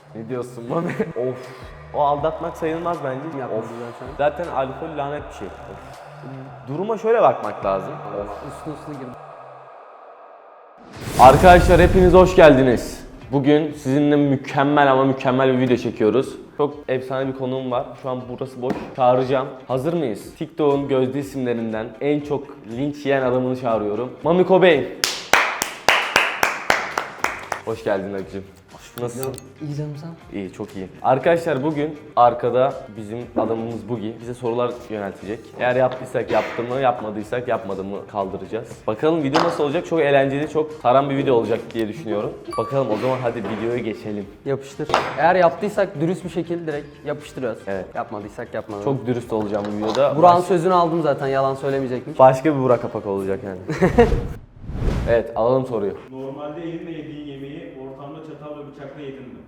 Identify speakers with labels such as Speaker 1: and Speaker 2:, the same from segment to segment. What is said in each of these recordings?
Speaker 1: Ne diyorsun Mami? Of. O aldatmak sayılmaz bence.
Speaker 2: Yapmadı
Speaker 1: Of.
Speaker 2: zaten.
Speaker 1: Zaten alkol lanet bir şey. Of. Duruma şöyle bakmak lazım.
Speaker 2: Uslu girdi.
Speaker 1: Arkadaşlar hepiniz hoş geldiniz. Bugün sizinle mükemmel ama mükemmel bir video çekiyoruz. Çok efsane bir konuğum var. Şu an burası boş. Çağıracağım. Hazır mıyız? TikTok'un gözde isimlerinden en çok linç yiyen adamını çağırıyorum. Mami Cobain. Hoş geldin Akıcım. Nasılsın?
Speaker 2: İyi canım sen?
Speaker 1: İyi, çok iyi. Arkadaşlar bugün arkada bizim adamımız Bugi bize sorular yöneltecek. Eğer yaptıysak yaptı mı, yapmadıysak yapmadı mı kaldıracağız. Bakalım video nasıl olacak? Çok eğlenceli, çok saran bir video olacak diye düşünüyorum. Bakalım o zaman hadi videoya geçelim.
Speaker 2: Yapıştır. Eğer yaptıysak dürüst bir şekilde direkt yapıştırıyoruz.
Speaker 1: Evet.
Speaker 2: Yapmadıysak yapmadık.
Speaker 1: Çok dürüst olacağım bu videoda.
Speaker 2: Burak'ın sözünü aldım zaten, yalan söylemeyecekmiş.
Speaker 1: Başka bir Burak Kapak olacak yani. Evet, alalım soruyu.
Speaker 3: Normalde elinle yediğin yemeği ortamda çatal ve bıçakla yedin mi?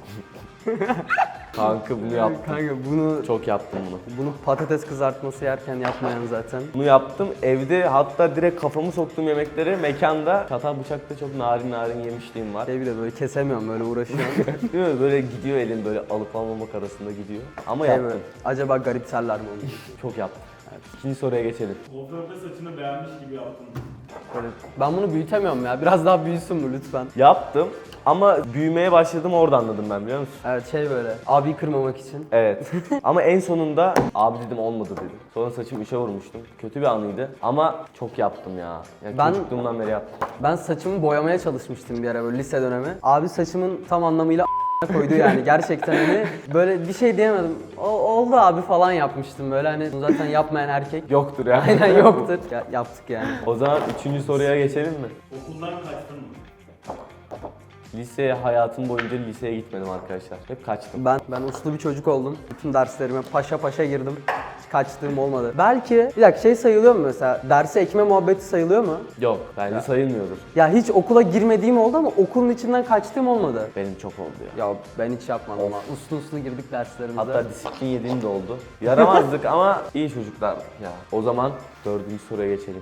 Speaker 1: Kanka bunu yaptım.
Speaker 2: Kanka bunu
Speaker 1: Çok yaptım bunu.
Speaker 2: patates kızartması yerken yapmayan zaten.
Speaker 1: Bunu yaptım. Evde hatta direkt kafamı soktuğum yemekleri mekanda çatal bıçakta çok narin yemişliğim var.
Speaker 2: Bir de böyle kesemiyorum, böyle uğraşıyorum.
Speaker 1: Değil mi? Böyle gidiyor elin böyle alıp almamak arasında gidiyor. Ama
Speaker 2: Şey
Speaker 1: yaptım.
Speaker 2: böyle, acaba garipserler mi onu?
Speaker 1: Çok yaptım. İkinci soruya geçelim.
Speaker 3: Kuaförde saçını beğenmiş gibi yaptın.
Speaker 2: Böyle, ben bunu büyütemiyorum ya. Biraz daha büyüsün mü lütfen?
Speaker 1: Yaptım ama büyümeye başladım orada anladım ben, biliyor musun?
Speaker 2: Evet, şey böyle abi kırmamak için.
Speaker 1: Evet. Ama en sonunda abi dedim, olmadı dedim. Sonra saçımı üçe vurmuştum. Kötü bir anıydı ama çok yaptım ya. Yani
Speaker 2: Ben-
Speaker 1: çocukluğumdan beri yaptım.
Speaker 2: Ben saçımı boyamaya çalışmıştım bir ara böyle lise dönemi. Abi saçımın tam anlamıyla koydu yani gerçekten hani böyle bir şey diyemedim. Oldu abi falan yapmıştım böyle, hani zaten yapmayan erkek
Speaker 1: Yoktur ya.
Speaker 2: aynen yoktur. Yaptık yani.
Speaker 1: O zaman üçüncü soruya geçelim mi?
Speaker 3: Okuldan kaçtın mı?
Speaker 1: Lise hayatım boyunca liseye gitmedim arkadaşlar. Hep kaçtım.
Speaker 2: Ben uslu bir çocuk oldum. Bütün derslerime paşa paşa girdim. Hiç kaçtığım olmadı. Belki bir dakika, şey sayılıyor mu mesela? Derse ekme muhabbeti sayılıyor mu?
Speaker 1: Yok, bence sayılmıyordur.
Speaker 2: Ya hiç okula girmediğim oldu ama okulun içinden kaçtığım olmadı.
Speaker 1: Benim çok oldu ya.
Speaker 2: Ya ben hiç yapmadım ama uslu girdik derslerimize.
Speaker 1: Hatta disiplin yediğim de oldu. Yaramazdık ama iyi çocuklar ya. O zaman dördüncü soruya geçelim.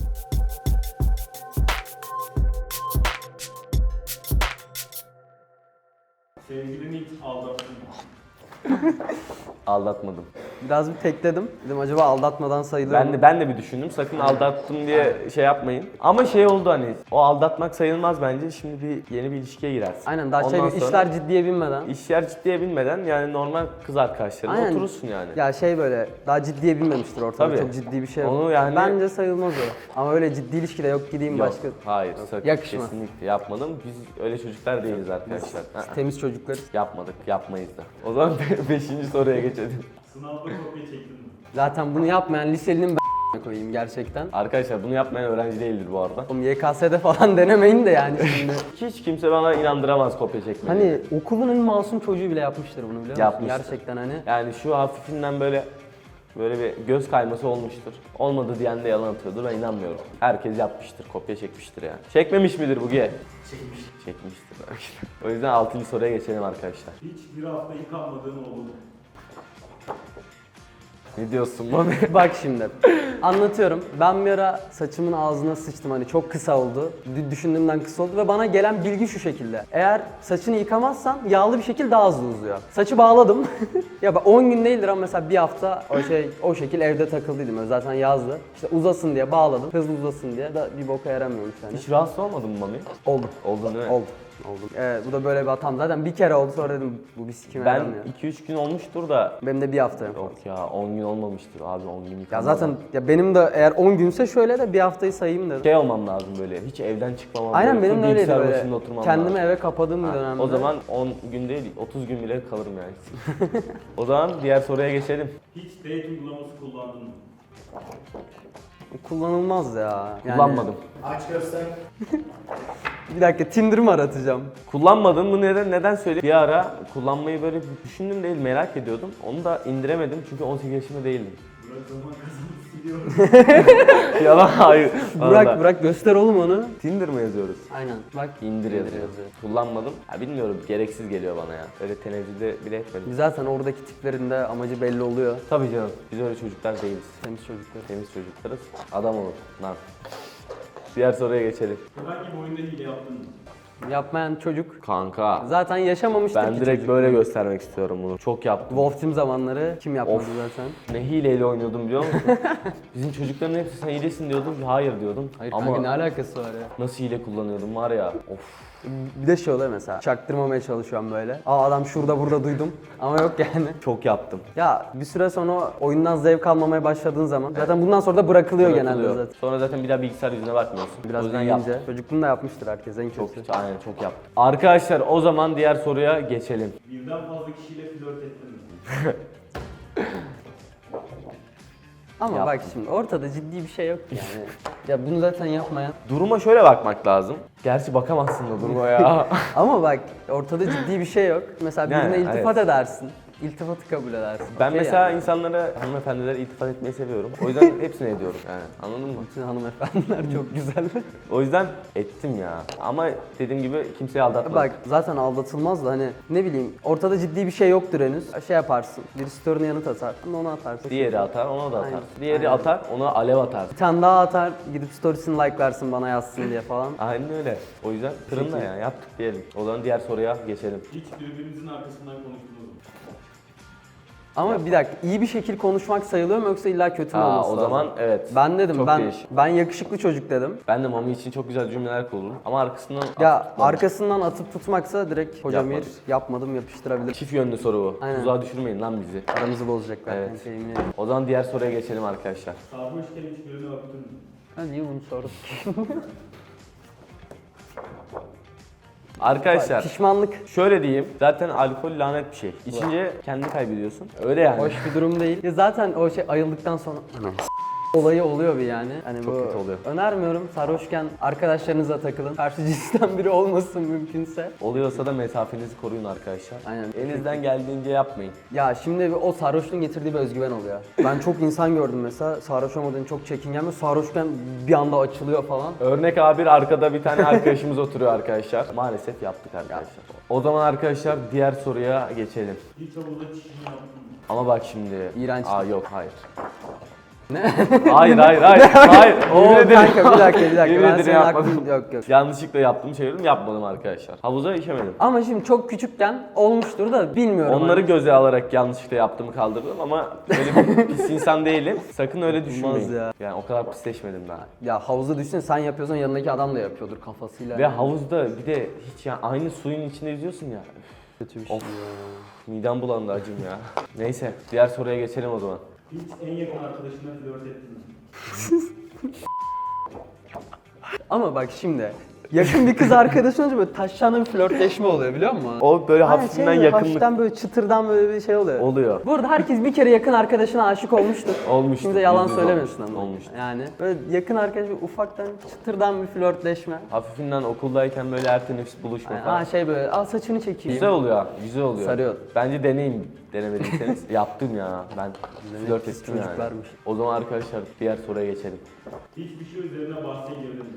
Speaker 3: Sevgilini hiç aldattın mı?
Speaker 1: Aldatmadım.
Speaker 2: Biraz bir tekledim. Dedim acaba aldatmadan sayılır mı?
Speaker 1: Ben de bir düşündüm. Sakın aldattım diye şey yapmayın. Ama şey oldu, hani o aldatmak sayılmaz bence. Şimdi yeni bir ilişkiye girersin.
Speaker 2: Aynen, daha
Speaker 1: Ondan sonra
Speaker 2: işler ciddiye binmeden.
Speaker 1: İşler ciddiye binmeden yani normal kız arkadaşlarına
Speaker 2: Aynen.
Speaker 1: oturursun yani.
Speaker 2: Ya şey böyle daha ciddiye binmemiştir ortada.
Speaker 1: Tabii.
Speaker 2: Çok ciddi bir şey yok.
Speaker 1: Onu yani-
Speaker 2: Bence sayılmaz o. Ama öyle ciddi ilişkide yok gideyim
Speaker 1: Yok,
Speaker 2: başka.
Speaker 1: hayır, sakın,
Speaker 2: Yakışmaz.
Speaker 1: kesinlikle yapmadım. Biz öyle çocuklar değiliz arkadaşlar.
Speaker 2: Temiz çocuklar.
Speaker 1: Yapmadık, yapmayız da. O zaman beşinci soruya geçelim.
Speaker 3: Sınavda kopya çektin mi?
Speaker 2: Zaten bunu yapmayan liselinin koyayım gerçekten.
Speaker 1: Arkadaşlar bunu yapmayan öğrenci değildir bu arada.
Speaker 2: Oğlum YKS'de falan denemeyin de yani şimdi.
Speaker 1: Hiç kimse bana inandıramaz kopya çekmeyi.
Speaker 2: Hani okulun en masum çocuğu bile yapmıştır bunu, biliyor musun?
Speaker 1: Yapmıştır.
Speaker 2: Gerçekten hani.
Speaker 1: Yani şu hafifinden böyle bir göz kayması olmuştur. Olmadı diyen de yalan atıyordur, ben inanmıyorum. Herkes yapmıştır, kopya çekmiştir yani. Çekmemiş midir Bugi?
Speaker 3: Çekmiş.
Speaker 1: Çekmiştir belki. O yüzden 6. soruya geçelim arkadaşlar.
Speaker 3: Hiç bir hafta yıkanmadığın oldu mu?
Speaker 1: Ne diyorsun Mami?
Speaker 2: Bak şimdi anlatıyorum. Ben bir ara saçımın ağzına sıçtım, hani çok kısa oldu. Düşündüğümden kısa oldu ve bana gelen bilgi şu şekilde. Eğer saçını yıkamazsan yağlı bir şekilde daha hızlı uzuyor. Saçı bağladım. Ya bak 10 gün değildir ama mesela bir hafta o şekil evde takıldıydım. Öyle zaten yazdı. İşte uzasın diye bağladım. Hızlı uzasın diye da bir boka yaramıyormuş yani.
Speaker 1: Hiç rahatsız olmadın mı Mami?
Speaker 2: Oldu.
Speaker 1: Oldun değil mi?
Speaker 2: Oldu. Bu da böyle bir hatam. Zaten bir kere oldu, sonra dedim bu bir sikime
Speaker 1: Ben
Speaker 2: yaramıyor.
Speaker 1: 2-3 gün olmuştur da.
Speaker 2: Benim de bir hafta.
Speaker 1: Yok ya, 10 gün olmamıştır abi, 10 gün
Speaker 2: Ya
Speaker 1: yıkanmadan.
Speaker 2: zaten ya benim de eğer 10 günse şöyle de bir haftayı sayayım dedim.
Speaker 1: Şey olmam lazım böyle, hiç evden çıkmamam.
Speaker 2: Aynen,
Speaker 1: böyle,
Speaker 2: benim de
Speaker 1: full
Speaker 2: öyleydi
Speaker 1: bilgisayar
Speaker 2: böyle.
Speaker 1: başında oturmam
Speaker 2: Kendimi
Speaker 1: lazım.
Speaker 2: eve kapadığım bir dönemde.
Speaker 1: O zaman 10 gün değil, 30 gün bile kalırım yani. O zaman diğer soruya geçelim.
Speaker 3: Hiç date uygulaması kullandın mı?
Speaker 2: kullanılmaz ya. Yani,
Speaker 1: Kullanmadım.
Speaker 3: Aç göster.
Speaker 2: Bir dakika, Tinder mı aratacağım?
Speaker 1: Kullanmadım. Bu neden söyleyeyim? Bir ara kullanmayı böyle düşündüm değil, merak ediyordum. Onu da indiremedim çünkü 18 yaşında değildim.
Speaker 3: Burak zaman kazanıp siliyorum.
Speaker 1: Yalan, hayır. Vallahi.
Speaker 2: Burak göster oğlum onu.
Speaker 1: Tinder mı yazıyoruz?
Speaker 2: Aynen. Bak
Speaker 1: İndir yazıyor. Kullanmadım. Ya bilmiyorum, gereksiz geliyor bana ya. Öyle tenezzülde bile etmedim.
Speaker 2: Zaten oradaki tiplerinde amacı belli oluyor.
Speaker 1: Tabii canım. Biz öyle çocuklar değiliz.
Speaker 2: Temiz çocuklar.
Speaker 1: Temiz çocuklarız. Adam olur. Lan. Diğer soruya geçelim.
Speaker 3: Herhangi bir oyunda hile yaptın mı?
Speaker 2: Yapmayan çocuk
Speaker 1: Kanka.
Speaker 2: zaten yaşamamıştır
Speaker 1: Ben
Speaker 2: ki
Speaker 1: direkt
Speaker 2: çocuk.
Speaker 1: böyle göstermek istiyorum bunu. Çok yaptım.
Speaker 2: Wolf Team zamanları kim yapmadı
Speaker 1: Of.
Speaker 2: zaten?
Speaker 1: Ne hileyle oynuyordum biliyor musun? Bizim çocukların hepsi sen hilesin diyordum. Hayır diyordum.
Speaker 2: Hayır
Speaker 1: Ama
Speaker 2: kanka ne alakası var ya?
Speaker 1: nasıl hile kullanıyordum var ya. Of.
Speaker 2: Bir de şey oluyor mesela, çaktırmamaya çalışıyorum böyle. Aa adam şurada burada duydum ama yok yani.
Speaker 1: Çok yaptım.
Speaker 2: Ya bir süre sonra oyundan zevk almamaya başladığın zaman zaten bundan sonra da bırakılıyor genelde
Speaker 1: Bırakılıyor.
Speaker 2: zaten.
Speaker 1: Sonra zaten bir daha bilgisayar yüzüne bakmıyorsun.
Speaker 2: Biraz
Speaker 1: o yüzden
Speaker 2: büyüyünce.
Speaker 1: yaptım.
Speaker 2: Çocukluğunda yapmıştır herkes en
Speaker 1: Çok,
Speaker 2: kötüsü.
Speaker 1: aynen çok yaptım. Arkadaşlar o zaman diğer soruya geçelim.
Speaker 3: Birden fazla kişiyle flört ettin mi?
Speaker 2: Ama
Speaker 1: Yaptım.
Speaker 2: bak şimdi ortada ciddi bir şey yok yani. Ya bunu zaten yapmayan.
Speaker 1: Duruma şöyle bakmak lazım. Gerçi bakamazsın da duruma ya.
Speaker 2: Ama bak ortada ciddi bir şey yok. Mesela
Speaker 1: Yani,
Speaker 2: birine iltifat
Speaker 1: evet.
Speaker 2: edersin. İltifatı kabul edersin.
Speaker 1: Ben
Speaker 2: Okey
Speaker 1: mesela
Speaker 2: yani.
Speaker 1: insanlara, hanımefendilere iltifat etmeyi seviyorum. O yüzden hepsini ediyorum yani. Anladın mı?
Speaker 2: Bütün hanımefendiler çok güzel.
Speaker 1: O yüzden ettim ya. Ama dediğim gibi kimseyi aldatmadım.
Speaker 2: Bak zaten aldatılmaz da hani ne bileyim ortada ciddi bir şey yoktur henüz. Şey yaparsın. Bir story'ne yanıt atar. Onu atarsın.
Speaker 1: Diğeri atar, ona da atar.
Speaker 2: Aynen.
Speaker 1: Diğeri
Speaker 2: Aynen.
Speaker 1: atar, ona alev atar.
Speaker 2: Bir tane daha atar. Gidip storiesini like'larsın bana yazsın diye falan.
Speaker 1: Aynen öyle. O yüzden fırında
Speaker 2: Peki.
Speaker 1: ya yaptık diyelim. O zaman diğer soruya geçelim.
Speaker 3: Hiç birbirinizin arkasından konuştunuz mu?
Speaker 2: Ama bir dakika iyi bir şekil konuşmak sayılıyor mu yoksa illa kötü mü olması
Speaker 1: O
Speaker 2: lazım?
Speaker 1: zaman evet.
Speaker 2: Ben dedim
Speaker 1: Çok
Speaker 2: ben
Speaker 1: değişik.
Speaker 2: ben yakışıklı çocuk dedim.
Speaker 1: Ben de Mami için çok güzel cümleler kururum. Ama arkasından
Speaker 2: Ya
Speaker 1: atıp tutmam.
Speaker 2: arkasından atıp tutmaksa direkt hocam
Speaker 1: Yapmadım.
Speaker 2: yapmadım yapıştırabilir.
Speaker 1: Çift yönlü soru bu.
Speaker 2: Aynen.
Speaker 1: Tuzağa düşürmeyin lan bizi.
Speaker 2: Aramızı bozacaklar.
Speaker 1: Evet.
Speaker 2: kanka, yemin ederim.
Speaker 1: O zaman diğer soruya geçelim arkadaşlar.
Speaker 3: Sarhoşken hiç birine öptün mü?
Speaker 2: Ha niye bunu sorduk?
Speaker 1: Arkadaşlar
Speaker 2: Pişmanlık
Speaker 1: şöyle diyeyim. Zaten alkol lanet bir şey. İçince kendini kaybediyorsun. Öyle yani.
Speaker 2: hoş bir durum değil. Ya zaten o şey ayıldıktan sonra olayı oluyor bir yani. Hani
Speaker 1: Çok
Speaker 2: bu
Speaker 1: kötü oluyor.
Speaker 2: önermiyorum. Sarhoşken arkadaşlarınızla takılın. Karşı cinsten biri olmasın mümkünse.
Speaker 1: Oluyorsa da mesafenizi koruyun arkadaşlar.
Speaker 2: Aynen.
Speaker 1: Elinizden geldiğince yapmayın.
Speaker 2: Ya şimdi o sarhoşluğun getirdiği bir özgüven oluyor. Ben çok insan gördüm mesela sarhoş olmadığını çok çekingen ve sarhoşken bir anda açılıyor falan.
Speaker 1: Örnek A1 arkada bir tane arkadaşımız oturuyor arkadaşlar. Maalesef yaptık arkadaşlar. O zaman arkadaşlar diğer soruya geçelim.
Speaker 3: Hiç havuzda çişini yaptın mı?
Speaker 1: Ama bak şimdi.
Speaker 2: İğrenç.
Speaker 1: Yok hayır.
Speaker 2: Ne?
Speaker 1: Hayır. Hayır.
Speaker 2: Oo
Speaker 1: Yemin ederim.
Speaker 2: kanka bir dakika
Speaker 1: Yemin
Speaker 2: ben
Speaker 1: ederim
Speaker 2: senin
Speaker 1: yapmadım.
Speaker 2: aklın yok yok.
Speaker 1: Yanlışlıkla yaptığımı çevirdim. Yapmadım arkadaşlar. Havuza işemedim.
Speaker 2: Ama şimdi çok küçükken olmuştur da bilmiyorum.
Speaker 1: Onları
Speaker 2: hani.
Speaker 1: göze alarak yanlışlıkla yaptığımı kaldırdım ama öyle bir pis insan değilim. Sakın öyle düşünmeyin.
Speaker 2: ya.
Speaker 1: Yani o kadar pisleşmedim daha.
Speaker 2: Ya havuza düşsene sen yapıyorsan yanındaki adam da yapıyordur kafasıyla.
Speaker 1: Ve havuzda bir de hiç yani aynı suyun içinde yüzüyorsun ya.
Speaker 2: kötü bir şey.
Speaker 1: Of. Midem bulandı acım ya. Neyse diğer soruya geçelim o zaman.
Speaker 3: Hiç en yakın arkadaşına flört ettin mi?
Speaker 2: Ama bak şimdi yakın bir kız arkadaşın olunca böyle taşlanan bir flörtleşme oluyor biliyor musun?
Speaker 1: O böyle
Speaker 2: Hani
Speaker 1: hafiften
Speaker 2: böyle
Speaker 1: yakınlık
Speaker 2: hafiften böyle çıtırdan böyle bir şey oluyor.
Speaker 1: oluyor.
Speaker 2: Burada herkes bir kere yakın arkadaşına aşık olmuştur.
Speaker 1: Olmuştur,
Speaker 2: Kimse yalan
Speaker 1: yüzde yüz
Speaker 2: söylemesin
Speaker 1: olmuştur,
Speaker 2: ama.
Speaker 1: olmuştur.
Speaker 2: Yani böyle yakın arkadaş böyle ufaktan çıtırdan bir flörtleşme.
Speaker 1: Hafifinden okuldayken böyle her teneffüs buluşma
Speaker 2: Yani,
Speaker 1: falan.
Speaker 2: şey böyle al saçını çekeyim.
Speaker 1: Güzel oluyor, güzel oluyor.
Speaker 2: Sarıyor.
Speaker 1: Bence deneyin denemediyseniz. Yaptım ya ben. Flört
Speaker 2: pis
Speaker 1: ettim yani.
Speaker 2: çocuklarmış.
Speaker 1: O zaman arkadaşlar diğer soruya geçelim.
Speaker 3: Hiçbir şey üzerine bahse girdin mi?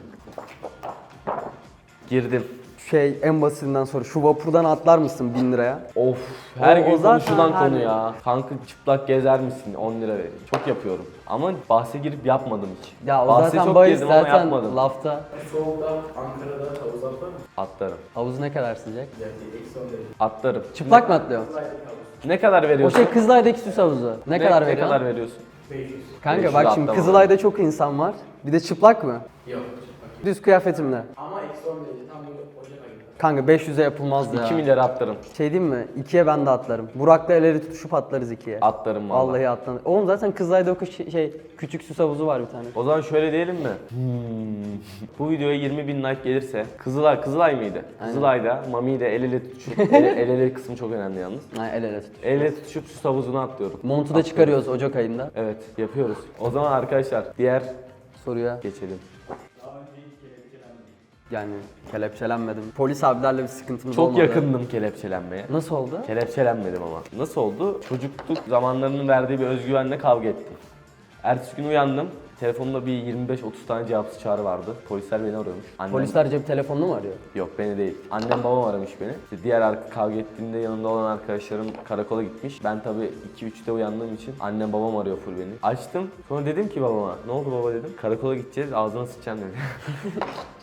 Speaker 1: Girdim.
Speaker 2: Şey en basitinden sonra şu vapurdan atlar mısın 1000 liraya?
Speaker 1: Of her
Speaker 2: O
Speaker 1: gün
Speaker 2: zaten
Speaker 1: konuşulan
Speaker 2: her
Speaker 1: konu
Speaker 2: gün.
Speaker 1: ya. Kanka çıplak gezer misin 10 lira verin. Çok yapıyorum. Ama bahse girip yapmadım hiç.
Speaker 2: Ya o
Speaker 1: Bahse
Speaker 2: zaten
Speaker 1: çok
Speaker 2: bahis
Speaker 1: girdim ama
Speaker 2: zaten
Speaker 1: yapmadım.
Speaker 2: lafta.
Speaker 4: Soğukta Ankara'da havuz atlar mı?
Speaker 1: Atlarım.
Speaker 2: Havuz ne kadar sıcak?
Speaker 4: Yani eksi 10 derece.
Speaker 1: Atlarım.
Speaker 2: Çıplak mı atlıyor?
Speaker 1: Ne kadar
Speaker 2: O
Speaker 1: veriyorsun?
Speaker 2: şey Kızılay'daki süs havuzu. Ne kadar
Speaker 1: Ne
Speaker 2: veriyorsun?
Speaker 1: kadar veriyorsun?
Speaker 4: 500.
Speaker 2: Kanka
Speaker 1: 500
Speaker 2: bak şimdi
Speaker 1: atlama.
Speaker 2: Kızılay'da çok insan var. Bir de çıplak mı?
Speaker 4: Yok çıkmak.
Speaker 2: Düz kıyafetimle.
Speaker 4: Ama eksi 10 derece tam böyle Ocak ayında.
Speaker 2: Kanka 500'e yapılmaz ya.
Speaker 1: 2 milyar atlarım.
Speaker 2: Şey diyeyim mi? 2'ye ben de atlarım. Burak'la el ele tutuşup atlarız 2'ye.
Speaker 1: Atlarım vallahi.
Speaker 2: Vallahi atlanır. Oğlum zaten Kızılay'da o küçük süs havuzu var bir tane.
Speaker 1: O zaman şöyle diyelim mi? Bu videoya 20.000 like gelirse Kızılay mıydı? Kızılay'da Mami ile el ele tutuşup el ele kısmı çok önemli yalnız.
Speaker 2: Ha, el ele tutuş.
Speaker 1: El ele tutuşup süs havuzuna atlıyorum.
Speaker 2: Montu da çıkarıyoruz Ocak ayında.
Speaker 1: Evet yapıyoruz. O zaman arkadaşlar diğer
Speaker 2: Soruya
Speaker 1: geçelim.
Speaker 3: Daha önce hiç kelepçelendin mi?
Speaker 2: yani kelepçelenmedim. Polis abilerle bir sıkıntımız
Speaker 1: Çok
Speaker 2: olmadı.
Speaker 1: yakındım kelepçelenmeye.
Speaker 2: Nasıl oldu?
Speaker 1: Kelepçelenmedim ama. Nasıl oldu? Çocukluk zamanlarının verdiği bir özgüvenle kavga ettim. Ertesi gün uyandım. Telefonumda bir 25-30 tane cevapsız çağrı vardı. Polisler beni arıyormuş. Annem...
Speaker 2: Polisler cep telefonunu mu arıyor?
Speaker 1: Yok beni değil. Annem babam aramış beni. İşte diğer kavga ettiğimde yanımda olan arkadaşlarım karakola gitmiş. Ben tabii 2-3'te uyandığım için annem babam arıyor full beni. Açtım. Sonra dedim ki babama ne oldu baba dedim. Karakola gideceğiz ağzına sıçacaksın dedi.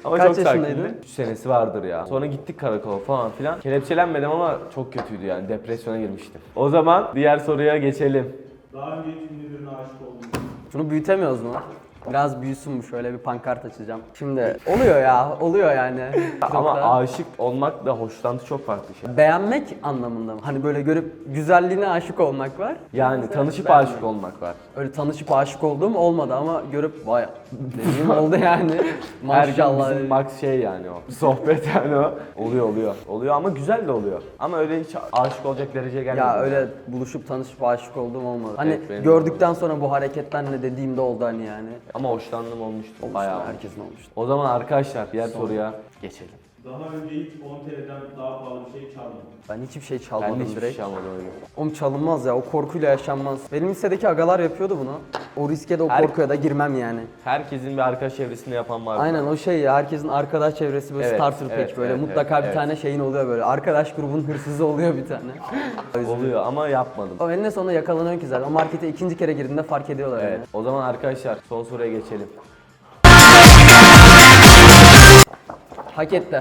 Speaker 1: Ama
Speaker 2: Kaç
Speaker 1: çok
Speaker 2: yaşındaydın?
Speaker 1: sakindi. 3 senesi vardır ya. Sonra gittik karakola falan filan. Kelepçelenmedim ama çok kötüydü yani. Depresyona girmiştim. O zaman diğer soruya geçelim.
Speaker 3: Daha önce hiç ünlü birine aşık oldun mu?
Speaker 2: Şunu büyütemiyoruz mu? Biraz büyüsün bu, şöyle bir pankart açacağım. Şimdi oluyor ya, oluyor yani. Çok
Speaker 1: Ama
Speaker 2: da-
Speaker 1: aşık olmak da hoşlantı çok farklı şey.
Speaker 2: Beğenmek anlamında mı? Hani böyle görüp güzelliğine aşık olmak var.
Speaker 1: Yani tanışıp
Speaker 2: beğenmek.
Speaker 1: aşık olmak var.
Speaker 2: Öyle tanışıp aşık olduğum olmadı ama görüp vay dediğim oldu yani.
Speaker 1: Her gün
Speaker 2: Maşallah.
Speaker 1: bizim max şey yani o. Sohbet yani o. Oluyor. Oluyor ama güzel de oluyor. Ama öyle hiç aşık olacak dereceye gelmedi.
Speaker 2: Ya öyle buluşup tanışıp aşık olduğum olmadı. Hani
Speaker 1: Evet, benim de
Speaker 2: gördükten sonra bu hareketten ne dediğimde oldu hani yani.
Speaker 1: Ama hoşlandım olmuştu. Bayağı.
Speaker 2: Herkesin olmuştu.
Speaker 1: O zaman arkadaşlar diğer soruya geçelim.
Speaker 3: Daha önce hiç 10 TL'den daha pahalı bir şey çalmadın.
Speaker 2: Ben hiçbir şey
Speaker 1: Ben
Speaker 2: çalmadım
Speaker 1: de hiçbir
Speaker 2: direkt.
Speaker 1: şey almadım öyle.
Speaker 2: Oğlum çalınmaz ya, o korkuyla yaşanmaz. Benim lisedeki agalar yapıyordu bunu. O riske de o
Speaker 1: Her-
Speaker 2: korkuya da girmem yani.
Speaker 1: Herkesin bir arkadaş çevresinde yapan var.
Speaker 2: Aynen o şey ya, herkesin arkadaş çevresi böyle
Speaker 1: Evet,
Speaker 2: starter pack
Speaker 1: evet,
Speaker 2: böyle
Speaker 1: evet,
Speaker 2: mutlaka
Speaker 1: evet,
Speaker 2: bir tane şeyin oluyor böyle. Arkadaş grubunun hırsızı oluyor bir tane.
Speaker 1: Oluyor ama yapmadım.
Speaker 2: O eninde sonunda yakalanıyor ki zaten. O markete ikinci kere girdiğinde fark ediyorlar
Speaker 1: Evet.
Speaker 2: yani.
Speaker 1: O zaman arkadaşlar son soruya geçelim.
Speaker 2: Hak etti.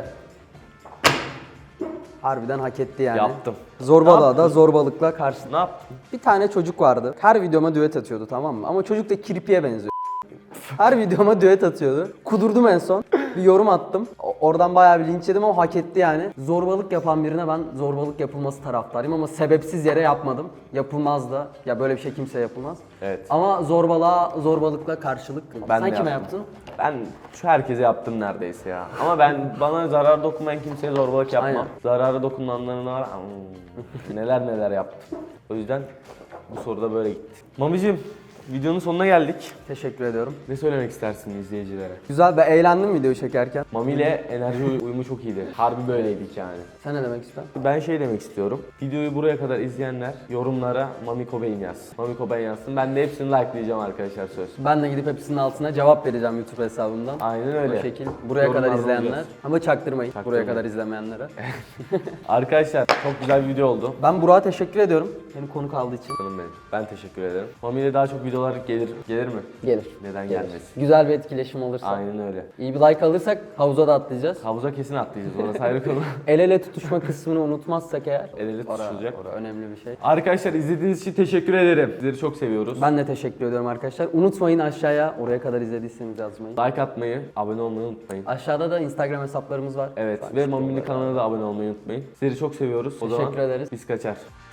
Speaker 2: Harbiden hak etti yani.
Speaker 1: Yaptım.
Speaker 2: Zorbalığa da zorbalıkla karşı.
Speaker 1: Ne yaptın?
Speaker 2: Bir tane çocuk vardı. Her videoma düet atıyordu, tamam mı? Ama çocuk da kirpiye benziyor. Her videoma düet atıyordu. Kudurdum en son. Bir yorum attım. Oradan bayağı bir linç yedim ama hak etti yani. Zorbalık yapan birine ben zorbalık yapılması taraftarıyım ama sebepsiz yere yapmadım. Yapılmaz da. Ya böyle bir şey kimseye yapılmaz.
Speaker 1: Evet.
Speaker 2: Ama zorbalıkla karşılık.
Speaker 1: Ben
Speaker 2: Sen
Speaker 1: de
Speaker 2: kime
Speaker 1: yaptım.
Speaker 2: yaptın?
Speaker 1: Ben şu herkese yaptım neredeyse ya. Ama ben bana zarar dokunmayan kimseye zorbalık yapmam.
Speaker 2: Aynen.
Speaker 1: Zararı dokunanlarına var. Neler yaptım. O yüzden bu soruda böyle gitti. Mamicim, videonun sonuna geldik.
Speaker 2: Teşekkür ediyorum.
Speaker 1: Ne söylemek istersin izleyicilere?
Speaker 2: Güzel, ben eğlendim videoyu çekerken.
Speaker 1: Mami ile enerji uyumu çok iyiydi. Harbi böyleydik yani.
Speaker 2: Sen ne demek istiyorsun?
Speaker 1: Ben şey demek istiyorum. Videoyu buraya kadar izleyenler yorumlara Mami Cobain yazsın. Mami Cobain yazsın. Ben de hepsini likelayacağım arkadaşlar, söz.
Speaker 2: Ben de gidip hepsinin altına cevap vereceğim YouTube hesabımdan.
Speaker 1: Aynen öyle.
Speaker 2: O şekil. Buraya
Speaker 1: Yorumlarda
Speaker 2: kadar izleyenler.
Speaker 1: olacağız.
Speaker 2: Ama çaktırmayın. Buraya
Speaker 1: Çaktırmayın.
Speaker 2: kadar izlemeyenlere.
Speaker 1: Arkadaşlar çok güzel bir video oldu.
Speaker 2: Ben Burak'a teşekkür ediyorum. Beni konuk aldığı için.
Speaker 1: Canım benim. Ben teşekkür ederim. Mami ile daha çok videolar gelir mi?
Speaker 2: Gelir.
Speaker 1: Neden
Speaker 2: Gelir.
Speaker 1: gelmesin?
Speaker 2: Güzel bir etkileşim olursa.
Speaker 1: Aynen öyle.
Speaker 2: İyi bir like alırsak havuza da atlayacağız.
Speaker 1: Havuza kesin atlayacağız. Orası ayrı konu.
Speaker 2: El ele tutuşma kısmını unutmazsak eğer.
Speaker 1: El ele tutuşulacak.
Speaker 2: Orası önemli bir şey.
Speaker 1: Arkadaşlar izlediğiniz için teşekkür ederim. Sizleri çok seviyoruz.
Speaker 2: Ben de teşekkür ediyorum arkadaşlar. Unutmayın aşağıya oraya kadar izlediyseniz yazmayı.
Speaker 1: Like atmayı, abone olmayı unutmayın.
Speaker 2: Aşağıda da Instagram hesaplarımız var.
Speaker 1: Evet
Speaker 2: Takip
Speaker 1: ve
Speaker 2: edin.
Speaker 1: Mami'nin kanalına da abone olmayı unutmayın. Sizleri çok seviyoruz. O zaman
Speaker 2: Teşekkür ederiz.
Speaker 1: biz kaçar.